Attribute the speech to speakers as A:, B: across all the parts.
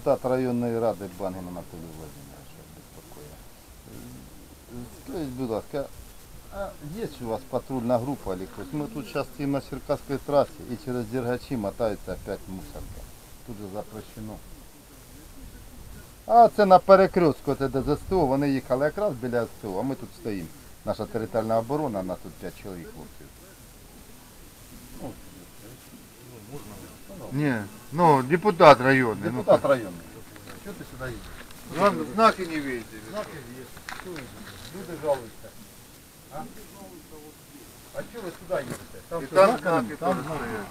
A: депутат районної ради Бангін Анатолій Владимирович безпокоїть. Скажіть, будь ласка, а є у вас патрульна група или хтось? Ми тут зараз стоїмо на Черкаській трасі і через Дергачі мотаються опять мусорка. Тут же запрещено. А це на перекрестку де СТО, вони їхали якраз біля СТО, а ми тут стоїмо. Наша територіальна оборона, нас тут 5 чоловік хлопців. Ні, ну депутат районний. Депутат районний. Що ти сюди їдеш? Знаки не видите. Знаки є. Люди жалуються. А що ви сюди їдете? Там знаки, там знаки.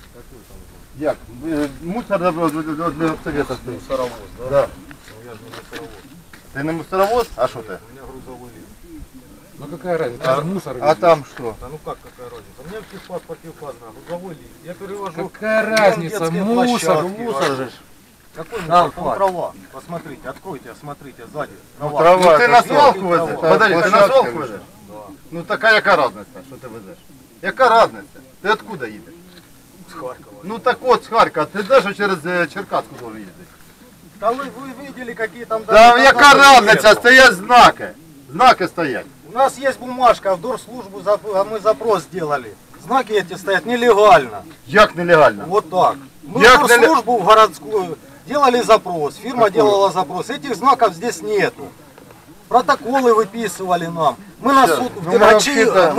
A: Як? Мусор для совета стоїть. Мусоровоз, да? Да. Ну я же не мусоровоз. Ты не мусоровоз? А что ты? У меня грузовой лифт.
B: Ну какая разница? Мусор.
A: А там что?
C: Да ну как какая разница? У меня в техпаспорте указано грузовой лифт. Я перевожу.
B: Какая разница? Мусор.
C: Мусор же. Какой мусор? Там трава. Посмотрите, откройте, смотрите, сзади.
A: Трава. Ну ты на свалку везеш. Подожди, ты на свалку везеш?
C: Да.
A: Ну така яка разниця, що ти везеш? Яка разниця? Ти откуда їдеш?
C: С Харькова.
A: Ну так от з Харкова, ти теж через Черкаску должен їздити.
C: Да вы видели, какие там...
A: Да яка разниця, стоять знаки. Знаки стоять.
C: У нас есть бумажка, в Дорслужбу мы запрос сделали. Знаки эти стоят нелегально.
A: Як нелегально?
C: Вот так. Мы
A: Як
C: в Дорслужбу в городскую делали запрос, фирма делала запрос. Этих знаков здесь нету. Протоколы выписывали нам. Мы на суд в Дергачи,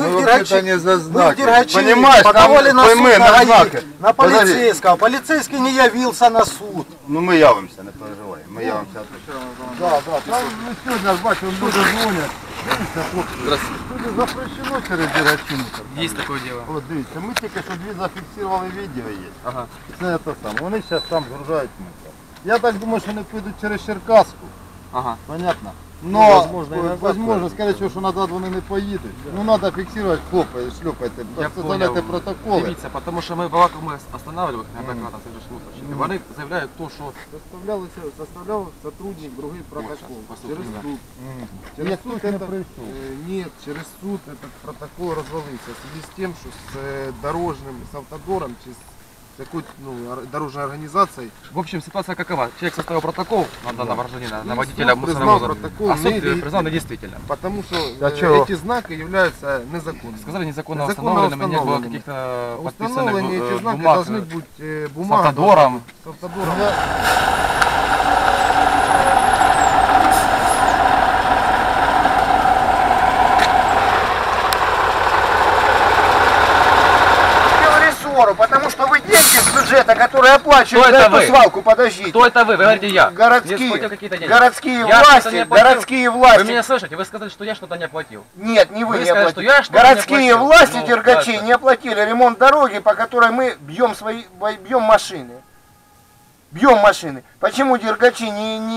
A: не за знаки.
C: мы в Дергачи
A: Понимаешь,
C: подавали на суд
A: пойми,
C: на
A: знаки.
C: на полицейского. Полицейский не явился на суд.
A: Ну ми явимося, не переживай. Ми явимося. Да. Там ну, сьогодні, бачу, люди дзвонять. Дивіться, хлопці. Тут запрещено через Дергачі.
B: Есть такое дело.
A: От дивіться, ми тільки що дві зафіксували відео є.
B: Ага.
A: Це те саме. Вони зараз там згружають мусор. Я так думаю, що вони підуть через Черкаску.
B: Ага.
A: Понятно? Но,
C: возможно,
A: скорее всего, що назад вони не поїдуть. Ну, треба фіксувати, шлюпайте, составляйте протоколи.
B: Дивіться, тому що ми багато ми останавливали, наприклад, це ж мусорщики. Вони заявляють то, що
D: Составлял сотрудник другой протокол. Через
B: да.
D: суд.
A: Через суд не прийшов.
D: Нет, через суд этот протокол развалился. В связи с тем, что с дорожным, с автодором, с такой дорожной организацией.
B: в общем ситуация какова? Человек составил протокол на данного гражданина, на водителя
D: суд признал
B: мусоровоза,
D: протокол
B: а суд
D: не-
B: признал недействительным.
D: Потому что
A: А чего?
D: эти знаки являются незаконными.
B: Сказали незаконно
D: Незаконно
B: установленными, не было
D: установленными.
B: каких-то
D: Установленные эти
B: подписанных
D: знаки
B: бумаг
D: должны быть
B: с
D: бумага.
B: автодором.
D: С автодором.
C: Сделали ссору, потому что вы деньги с бюджета, которые оплачивают
B: Кто
C: за
B: это
C: эту
B: вы?
C: свалку, подождите.
B: Кто это вы? Вы говорите я.
C: Городские,
B: Не сплатил какие-то деньги.
C: городские
B: Я
C: власти,
B: что-то не оплатил.
C: городские власти.
B: Вы меня слышите? Вы сказали, что я что-то не оплатил.
C: Нет, не вы,
B: Вы
C: не
B: сказали,
C: оплатили.
B: что я что-то не
C: Городские
B: оплатил.
C: власти
B: Ну,
C: Дергачей
B: дальше.
C: не оплатили ремонт дороги, по которой мы бьем машины. Бьем машины. Почему Дергачи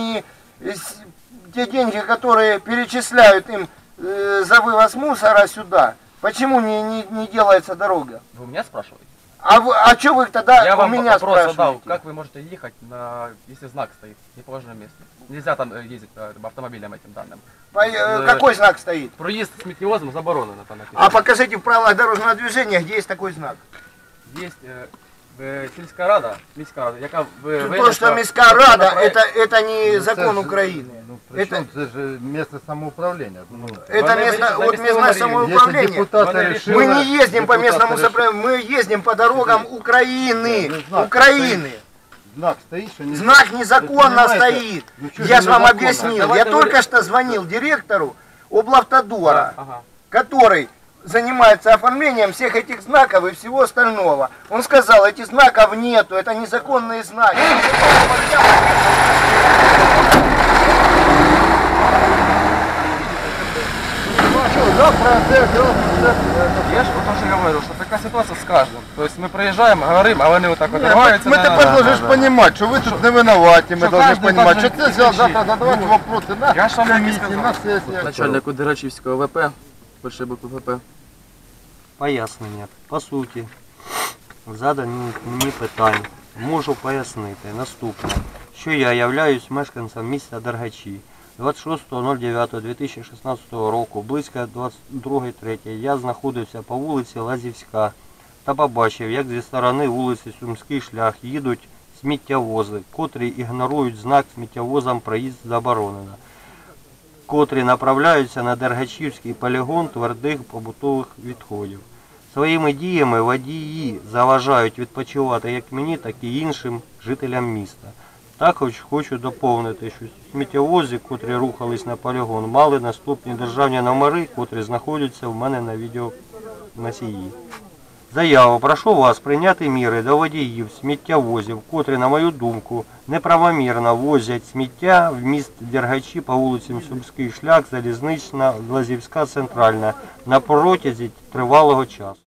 C: те деньги, которые перечисляют им за вывоз мусора сюда, почему не делается дорога?
B: Вы у меня спрашиваете?
C: А что вы тогда
B: Я
C: у
B: вам
C: меня
B: вопрос задал,
C: спрашиваете?
B: как вы можете ехать, если знак стоит в неположенном месте? Нельзя там ездить автомобилем этим данным.
C: Какой знак стоит?
B: Проезд с метеозом заборонен. Это написано.
C: А покажите в правилах дорожного движения, где есть такой знак.
B: Есть сільська рада, міська рада, яка
C: То, что міська рада, это не закон Украины.
A: Ну, причем это же местное самоуправление. Ну,
C: Это местное самоуправление.
A: если депутаты решили...
C: Мы не ездим по
A: депутаты
C: местному
A: решили-
C: самоуправлению, мы ездим по дорогам Украины.
A: Ну, знак
C: Украины.
A: Знак стоит, что не...
C: Знак незаконно стоит.
A: Ну, что
C: Я
A: же
C: же вам
A: незаконно?
C: объяснил. Я
B: Давайте
C: только что звонил директору облавтодора,
B: Ага.
C: который занимается оформлением всех этих знаков и всего остального. Он сказал, этих знаков нету, это незаконные знаки.
B: Я же вот тоже говорю, что такая ситуация с каждым. То есть мы проезжаем, говорим, а вони вот так вот рваються.
A: Мы тепер должны понимать, что вы тут не виноваты, мы
B: Что
A: должны
B: каждый
A: понимать, что
B: должен
A: ты завтра
B: кричить.
A: задавать вопросы на
B: Я ж вам так і
A: комиссии,
B: сказав.
A: на сессии.
B: Начальнику Дергачівського ВП, першої букви ВП.
E: Пояснення. По суті, задані мені питання. Можу пояснити наступне, що я являюсь мешканцем міста Дергачі. 26.09.2016 року, близько 22.03 я знаходився по вулиці Лазівська та побачив, як зі сторони вулиці Сумський шлях їдуть сміттєвози, котрі ігнорують знак сміттєвозам проїзд заборонено, котрі направляються на Дергачівський полігон твердих побутових відходів. Своїми діями водії заважають відпочивати як мені, так і іншим жителям міста. Також хочу доповнити, що сміттєвози, котрі рухались на полігон, мали наступні державні номери, котрі знаходяться в мене на відеоносії. Заяву прошу вас прийняти міри до водіїв сміттєвозів, котрі, на мою думку, неправомірно возять сміття в міст Дергачі по вулицям Сумський шлях, Залізнична, Лазівська, Центральна на протязі тривалого часу.